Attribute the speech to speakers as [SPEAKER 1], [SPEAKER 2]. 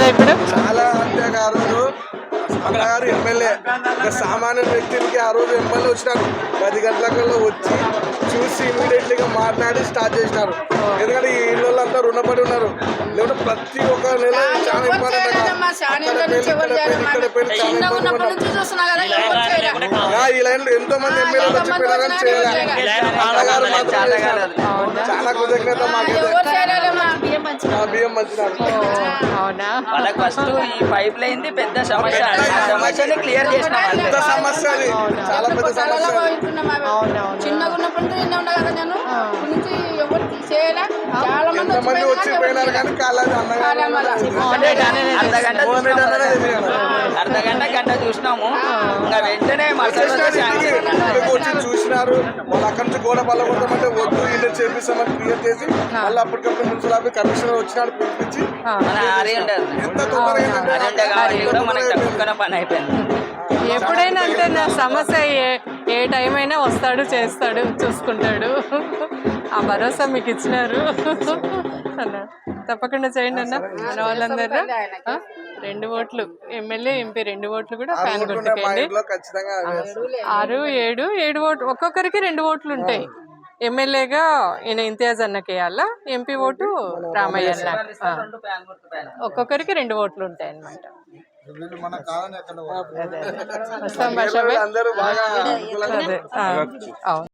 [SPEAKER 1] కదా ఇప్పుడు?
[SPEAKER 2] చాలా అంతేగా ఆ రోజు అన్నగారు ఎమ్మెల్యే సామాన్య వ్యక్తులకి ఆ రోజు ఎమ్మెల్యే వచ్చినారు 10 గంటల వచ్చి చూసి ఇమీడియట్లీగా మాట్లాడి స్టార్ట్ చేసినారు. ఎందుకంటే ఈ ఇళ్ళంతా రుణపడి ఉన్నారు. లేకుంటే ప్రతి ఒక్క నెల చాలా ఇంపార్టెంట్ ఈ లైన్ లో ఎంతో మంది ఎమ్మెల్యేలు వచ్చిపోయినారని అన్నగారు చాలా కృతజ్ఞత. బియ్యం మంచినారు.
[SPEAKER 3] అవునా? వాళ్ళకి ఫస్ట్ ఈ పైప్ లైన్ పెద్ద సమస్య, సమస్యని క్లియర్ చేసిన
[SPEAKER 2] పెద్ద సమస్య, అది చాలా పెద్ద సమస్య.
[SPEAKER 4] చిన్నగా ఉన్నప్పుడు ఉన్నా కదా నేను నుంచి ఎవరు చేయలే. చాలా మంది
[SPEAKER 2] వచ్చిపోయినారు కానీ
[SPEAKER 3] అర్ధగంట చూసినాము. ఇంకా వెంటనే
[SPEAKER 2] వచ్చి చూసినారు. వాళ్ళు అక్కడి నుంచి గోడ బలపడతామంటే వద్దు ఇల్లు చేపిస్తామని క్లియర్ చేసి మళ్ళీ అప్పటికప్పుడు మున్సిపల్ ఆఫీస్ కమిషనర్ వచ్చినాడు పిలిపించి ఎంత తొందరగా
[SPEAKER 3] పని అయిపోయింది.
[SPEAKER 1] ఎప్పుడైనా అంటే నా సమస్య ఏ టైం అయినా వస్తాడు, చేస్తాడు, చూసుకుంటాడు. ఆ భరోసా మీకు ఇచ్చినారు అన్న. తప్పకుండా చేయండి అన్న. మన వాళ్ళందరూ 2 ఓట్లు ఎమ్మెల్యే, ఎంపీ 2 ఓట్లు కూడా ఫ్యాన్ గుర్తుకేయండి. 6, 7 ఓట్లు ఒక్కొక్కరికి 2 ఓట్లు ఉంటాయి. ఎమ్మెల్యేగా ఈయన ఇంతియాజ్ అన్నకి వేయాలా, ఎంపీ ఓటు రామయ్య అన్న. ఒక్కొక్కరికి 2 ఓట్లు ఉంటాయి అన్నమాట. వస్తాం భాష.
[SPEAKER 2] అందరూ బాగా
[SPEAKER 1] అవును.